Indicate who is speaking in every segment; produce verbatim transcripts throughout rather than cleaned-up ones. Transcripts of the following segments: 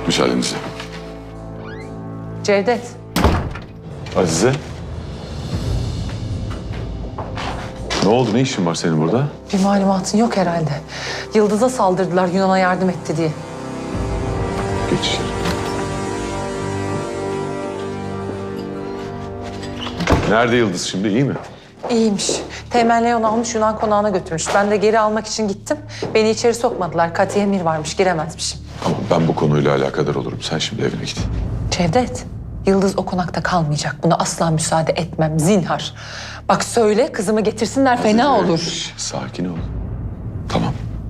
Speaker 1: Müsaadenizle.
Speaker 2: Cevdet.
Speaker 1: Azize. Ne oldu? Ne işin var senin burada?
Speaker 2: Bir malumatın yok herhalde. Yıldız'a saldırdılar Yunan'a yardım etti diye.
Speaker 1: Geç içeri. Nerede Yıldız şimdi? İyi mi?
Speaker 2: İyiymiş. Teğmen Leon almış Yunan konağına götürmüş. Ben de geri almak için gittim. Beni içeri sokmadılar. Kati emir varmış. Giremezmişim.
Speaker 1: Tamam, ben bu konuyla alakadar olurum. Sen şimdi evine git.
Speaker 2: Cevdet, Yıldız o konakta kalmayacak. Buna asla müsaade etmem. Zinhar. Bak söyle kızımı getirsinler. Fena
Speaker 1: Azize,
Speaker 2: olur.
Speaker 1: şş, sakin ol. Tamam.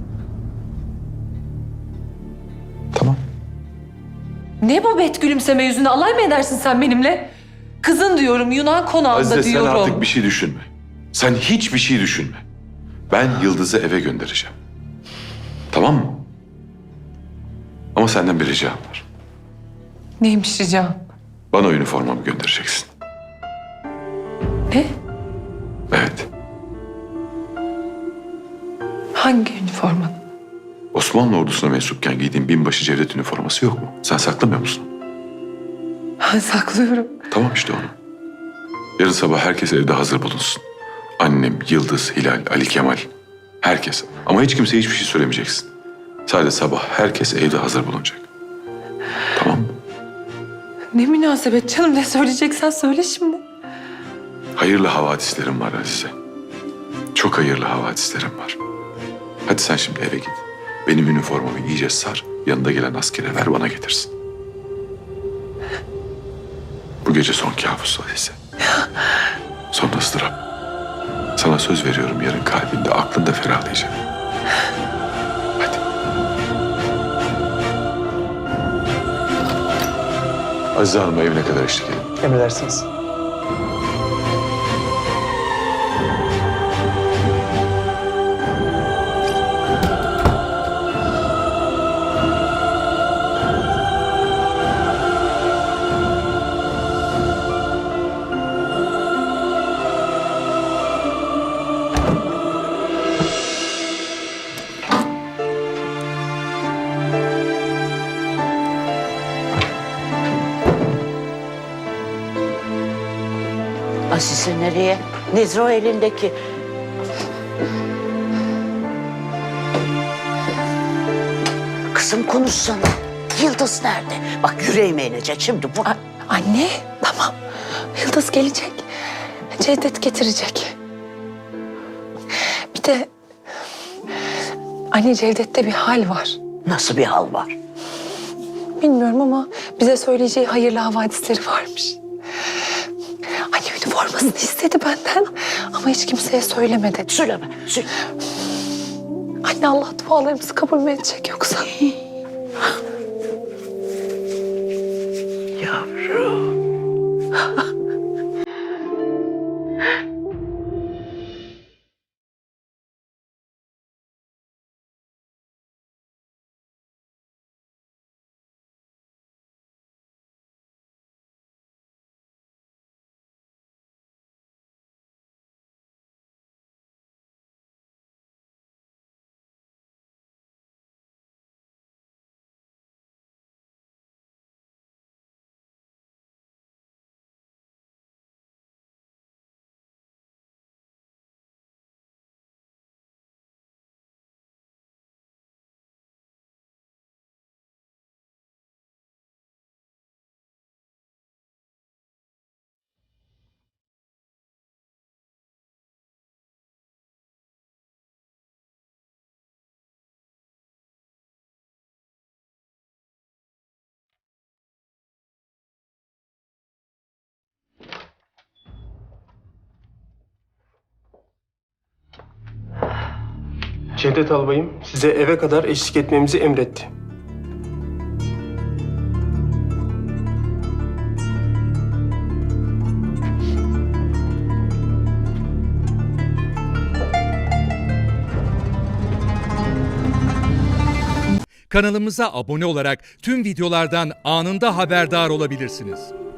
Speaker 1: Tamam.
Speaker 2: Ne bu bet gülümseme yüzüne? Alay mı edersin sen benimle? Kızın diyorum Yunan konağında
Speaker 1: Azize,
Speaker 2: diyorum.
Speaker 1: sen artık bir şey düşünme. Sen hiçbir şey düşünme. Ben Yıldız'ı eve göndereceğim. Tamam mı? Ama senden bir ricam var.
Speaker 2: Neymiş ricam?
Speaker 1: Bana üniformamı göndereceksin.
Speaker 2: Ne?
Speaker 1: Evet.
Speaker 2: Hangi üniforma?
Speaker 1: Osmanlı ordusuna mensupken giydiğin binbaşı Cevdet üniforması yok mu? Sen saklamıyor musun?
Speaker 2: Ben saklıyorum.
Speaker 1: Tamam işte onu. Yarın sabah herkes evde hazır bulunsun. Annem, Yıldız, Hilal, Ali Kemal. Herkes. Ama hiç kimseye hiçbir şey söylemeyeceksin. Sadece sabah herkes evde hazır bulunacak. Tamam mı?
Speaker 2: Ne münasebet canım, ne söyleyeceksen söyle şimdi.
Speaker 1: Hayırlı havadislerim var Azize. Çok hayırlı havadislerim var. Hadi sen şimdi eve git. Benim üniformamı iyice sar. Yanında gelen askere ver, bana getirsin. Bu gece son kabus Azize. Son ıstırap. Sana söz veriyorum, yarın kalbinde, aklında ferahlayacak. Hadi. Azize Hanım'a evine kadar eşlik edin.
Speaker 3: Emredersiniz.
Speaker 4: Azize nereye? Nedir o elindeki? Kızım konuşsana. Yıldız nerede? Bak yüreğime inecek şimdi bu.
Speaker 2: A- anne, tamam. Yıldız gelecek. Cevdet getirecek. Bir de... Anne, Cevdet'te bir hal var.
Speaker 4: Nasıl bir hal var?
Speaker 2: Bilmiyorum ama bize söyleyeceği hayırlı havadisleri varmış. Anne üniformasını istedi benden ama hiç kimseye söylemedi.
Speaker 4: Söyleme. Söyle.
Speaker 2: Anne, Allah dualarımızı kabul mü edecek yoksa?
Speaker 4: Yavrum.
Speaker 3: Cevdet Albayım size eve kadar eşlik etmemizi emretti.
Speaker 5: Kanalımıza abone olarak tüm videolardan anında haberdar olabilirsiniz.